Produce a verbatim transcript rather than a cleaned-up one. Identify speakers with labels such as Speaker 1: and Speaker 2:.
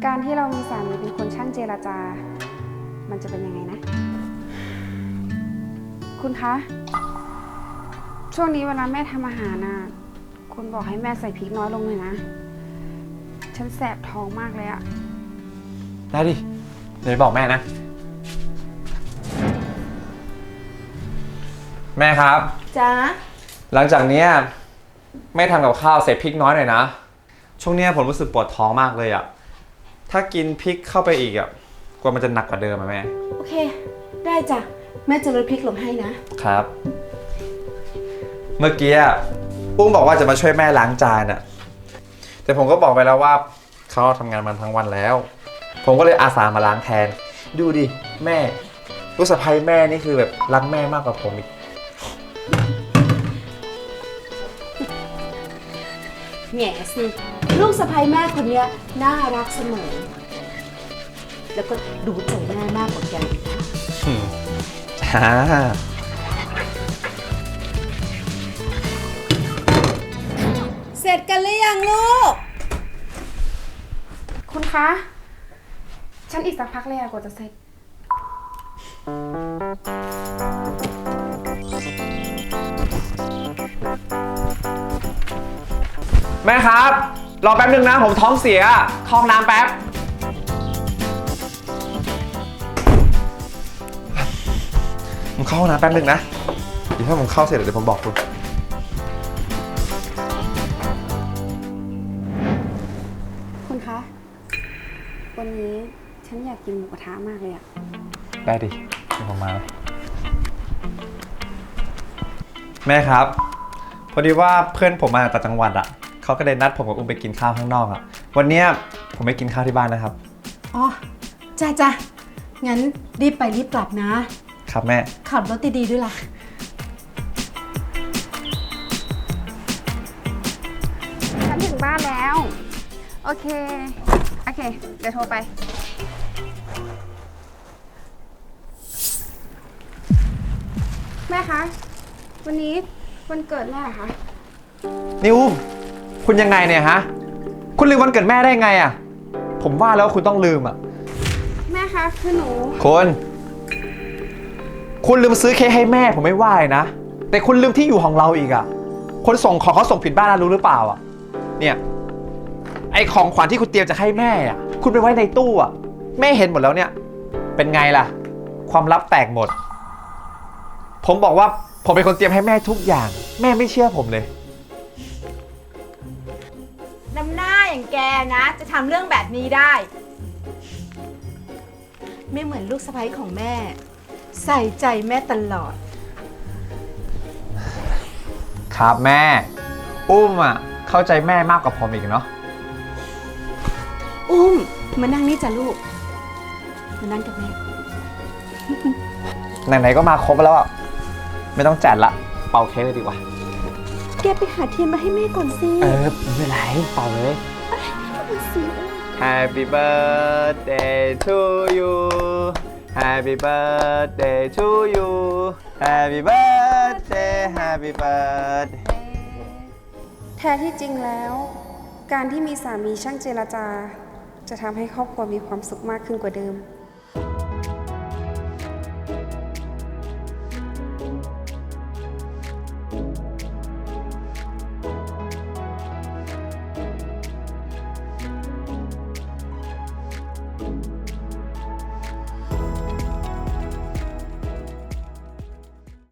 Speaker 1: การที่เรามีสามีเป็นคนช่างเจรจา มันจะเป็นยังไงนะ คุณคะ ช่วงนี้เวลาแม่ทำอาหารน่ะคุณบอกให้แม่ใส่พริกน้อยลงเลยนะ ฉันแสบท้องมากเลยอะ
Speaker 2: ได้ดิ เดี๋ยวบอกแม่นะ แม่ครับ
Speaker 3: จ้า
Speaker 2: หลังจากนี้แม่ทำกับข้าวใส่พริกน้อยหน่อยนะ ช่วงนี้ผมรู้สึกปวดท้องมากเลยอะถ้ากินพริกเข้าไปอีกอะกลัวมันจะหนักกว่าเดิมอะแม่
Speaker 3: โอเค ได้จ้ะ แม่จะลดพริกลงให้นะ
Speaker 2: ครับ เมื่อกี้ปุ้งบอกว่าจะมาช่วยแม่ล้างจานอะแต่ผมก็บอกไปแล้วว่าเขาทำงานมันทั้งวันแล้ว ผมก็เลยอาสามาล้างแทน ดูดิแม่ลูกสะใภ้แม่นี่คือแบบรักแม่มากกว่าผมอีก
Speaker 3: แง่สิ ลูกสะใภ้แม่คนเนี้ยน่ารักเสมอ แล้วก็ดูใจแม่มากกว่าแกอีกนะ
Speaker 2: จ้า
Speaker 3: เสร็จกันหรือยังลูก
Speaker 1: คุณคะ ฉันอีกสักพักเลยอะกว่าจะเสร็จ
Speaker 2: แม่ครับ รอแป๊บนึงนะ ผมท้องเสียเข้าห้องน้ำแป๊บ ผมเข้าห้องน้ำแป๊บนึงนะ เดี๋ยวถ้าผมเข้าเสร็จเดี๋ยวผมบอกคุณ
Speaker 1: คุณคะ วันนี้ฉันอยากกินหมูกระทะมากเลยอะ
Speaker 2: ได้ดิเดี๋ยวผมมา แม่ครับ พอดีว่าเพื่อนผมมาจากจังหวัดอ่ะเขาก็เลยนัดผมกับอุ้มไปกินข้าวข้างนอกอ่ะ วันเนี้ยผมไปกินข้าวที่บ้านนะครับ
Speaker 3: อ๋อ จ้าจ้างั้นรีบไปรีบกลับนะ
Speaker 2: ครับแม่
Speaker 3: ขับรถดีๆด้วยล่ะ
Speaker 1: ฉันถึงบ้านแล้ว โอเค โอเค เดี๋ยวโทรไป แม่คะ วันนี้วันเกิดแม่เหรอคะ
Speaker 2: นิวคุณยังไงเนี่ยฮะ คุณลืมวันเกิดแม่ได้ไงอ่ะ ผมว่าแล้วคุณต้องลืมอ่ะ
Speaker 1: แม่คะ คือหนู
Speaker 2: คุณ คุณลืมซื้อเค้กให้แม่ผมไม่ว่าเลยนะ แต่คุณลืมที่อยู่ของเราอีกอ่ะ คนส่งของเขาส่งผิดบ้านนะรู้หรือเปล่าอ่ะ เนี่ย ไอของขวัญที่คุณเตรียมจะให้แม่อ่ะ คุณไปไว้ในตู้อ่ะ แม่เห็นหมดแล้วเนี่ย เป็นไงล่ะ ความลับแตกหมด ผมบอกว่าผมเป็นคนเตรียมให้แม่ทุกอย่าง แม่ไม่เชื่อผมเลย
Speaker 3: น้ำหน้าอย่างแกนะ จะทำเรื่องแบบนี้ได้ ไม่เหมือนลูกสะใภ้ของแม่ ใส่ใจแม่ตลอด
Speaker 2: ครับแม่ อุ้มอ่ะ เข้าใจแม่มากกว่าผมอีกเนาะ
Speaker 3: อุ้ม มานั่งนี่จ้ะลูก มานั่งกับแม่
Speaker 2: ไหนๆก็มาครบแล้วอ่ะ ไม่ต้องจัดละ เป่าเค้กเลยดีกว่า
Speaker 3: แกไปหาเทียนมาให้แม่ก่อนสิ
Speaker 2: เออไม่เป็นไรเป่าเลย Happy birthday to you Happy birthday to you Happy birthday Happy birthday
Speaker 1: แท้ที่จริงแล้ว การที่มีสามีช่างเจรจา จะทำให้ครอบครัวมีความสุขมากขึ้นกว่าเดิม